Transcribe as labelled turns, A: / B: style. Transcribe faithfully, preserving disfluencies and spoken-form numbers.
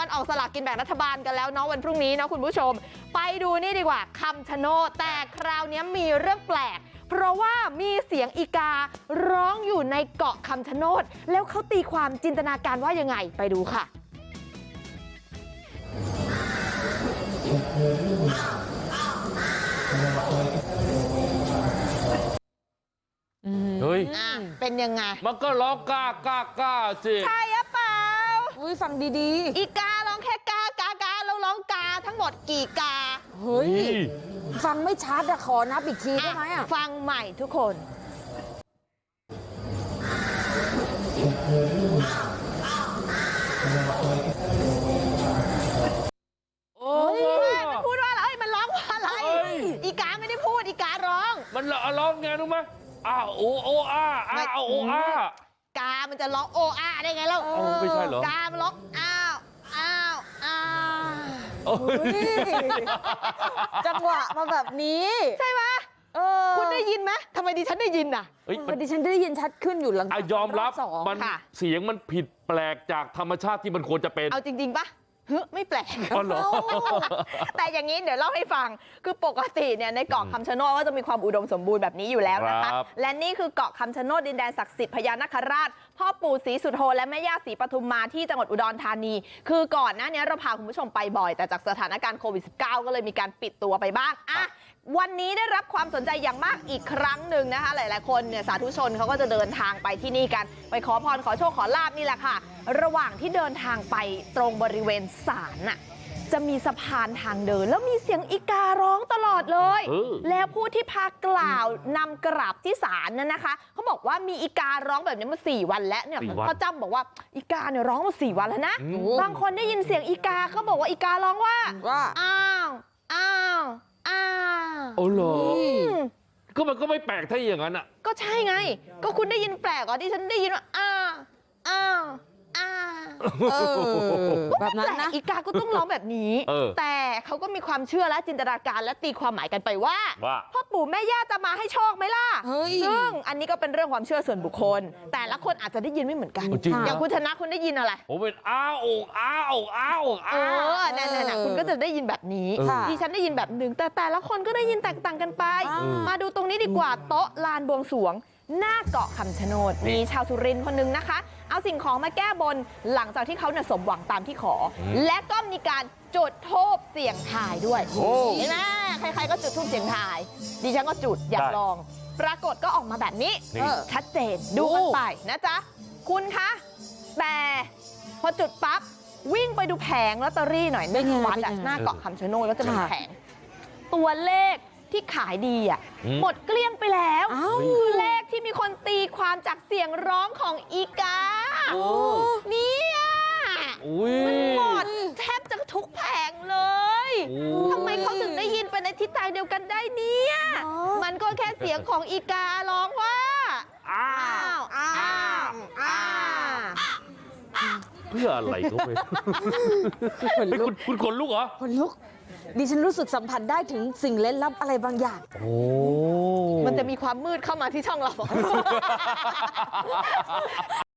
A: ออกสลากกินแบ่งรัฐบาลกันแล้วเนาะวันพรุ่งนี้นะคุณผู้ชมไปดูนี่ดีกว่าคำชะโนดแต่คราวนี้มีเรื่องแปลกเพราะว่ามีเสียงอีการ้องอยู่ในเกาะคำชะโนดแล้วเขาตีความจินตนาการว่ายังไงไปดูค่ะ
B: เฮ้ย
A: เป็นยังไง
B: มันก็ร้องก้าก้าก้าสิ
A: ใช่หรือเปล่า
C: อุ้ยฟังดี
A: ๆอีการ้องแค่กากากาแล้วร้องกาทั้งหมดกี่กา
C: เฮ้ยฟังไม่ชัดอะขอนับอีกทีได้ไหมอะ
A: ฟังใหม่ทุกคน
B: โอ้ย
A: มันพูดว่าอะไรมันร้องว่าอะไรอีกาไม่ได้พูดอีการ้อง
B: มันร้องไงรู้ไหมอ้าโอโออาอ้าโออาก
A: ามันจะร้องโออาได้ไงเล่า
B: ไม่ใช่เหรอก
A: ามันร้องอ้าวอ้าวอ้าว
C: จังหวะมาแบบนี้
A: ใช่ไหมคุณได้ยินไหมทำไมดิฉันได้ยินอ่ะ
C: ดิฉันได้ยินชัดขึ้นอยู่หลัง
B: ยอมรับมันเสียงมันผิดแปลกจากธรรมชาติที่มันควรจะเป็น
A: เอาจริงๆปะเฮ้ยไม่แปลก
B: อ๋อเหรอ
A: แต่อย่างนี้เดี๋ยวเล่าให้ฟังคือปกติเนี่ยในเกาะคำชะโนดก็จะมีความอุดมสมบูรณ์แบบนี้อยู่แล้วนะคะและนี่คือเกาะคำชะโนดดินแดนศักดิ์สิทธิ์พญานาคราชพ่อปู่ศรีสุโธและแม่ย่าศรีปทุมมาที่จังหวัดอุดรธานีคือก่อนหน้านี้เราพาคุณผู้ชมไปบ่อยแต่จากสถานการณ์โควิด สิบเก้า ก็เลยมีการปิดตัวไปบ้างอ่ะวันนี้ได้รับความสนใจอย่างมากอีกครั้งหนึ่งนะคะหลายๆคนเนี่ยสาธุชนเขาก็จะเดินทางไปที่นี่กันไปขอพรขอโชคขอลาบนี่แหละค่ะระหว่างที่เดินทางไปตรงบริเวณศาลน่ะจะมีสะพานทางเดินแล้วมีเสียงอีการ้องตลอดเลยแล้วผู้ที่พากล่าวนำกราบที่ศาลนั่นนะคะเขาบอกว่ามีอีการ้องแบบนี้มาสี่วันแล้วเนี่ยพ่อจ้ำบอกว่าอีกาเนี่ยร้องมาสี่วันแล้วนะบางคนได้ยินเสียงอีกาเขาบอกว่าอีการ้องว่า
C: ว่า
A: อ้าวอ้าวอ้าว
B: โอ้เหรอก็มันก็ไม่แปลกถ้าอย่างนั้นอ่ะ
A: ก็ใช่ไงก็คุณได้ยินแปลกอ่ะที่ฉันได้ยินว่าอ้าวอ้าวอ้าว
C: แบบนั้นนะ
A: อีกาก็ต้องร้องแบบนี้แต่เขาก็มีความเชื่อและจินตนาการและตีความหมายกันไปว่าพ่อปู่แม่ย่าจะมาให้โชคไหมล่ะซึ่งอันนี้ก็เป็นเรื่องความเชื่อส่วนบุคคลแต่ละคนอาจจะได้ยินไม่เหมือนกันอย่างคุณชนะคุณได้ยินอะไร
B: ผมเป็นอ้าวอ้าวอ้าว
A: เออนั่นๆคุณก็จะได้ยินแบบนี้ดิฉันได้ยินแบบหนึ่งแต่แต่ละคนก็ได้ยินแตกต่างกันไปมาดูตรงนี้ดีกว่าโต๊ะลานบวงสรวงหน้าเกาะคำชะโนดมีชาวสุรินทร์คนนึงนะคะเอาสิ่งของมาแก้บนหลังจากที่เขาเนี่ยสมหวังตามที่ขอและก็มีการจุดธูปเสี่ยงทายด้วยเห็นไหมใครๆก็จุดธูปเสี่ยงทายดิฉันก็จุดอยากลองปรากฏก็ออกมาแบบนี้ชัดเจนดูกันไปนะจ๊ะคุณคะแต่พอจุดปั๊บวิ่งไปดูแผงลอตเตอรี่หน่อยในวัดหน้าเกาะคำชะโนดก็จะมีแผงตัวเลขที่ขายดีอ่ะหมดเกลี้ยงไปแล้วคือเลขที่มีคนตีความจากเสียงร้องของอีกาเนี่ยมันหมดแทบจะทุกแผงเลยทำไมเขาถึงได้ยินไปในทิศทางเดียวกันได้เนี่ยมันก็แค่เสียงของอีการ้องว่าอ้าวอ้าวอ้าว
B: เพื่ออะไรก็ไม่คุณคุณขนลุกเหรอ
C: ขนลุกดิฉันรู้สึกสัมผัสได้ถึงสิ่งเล่นลับอะไรบางอย่าง
B: โอ้
A: มันจะมีความมืดเข้ามาที่ช่องเรา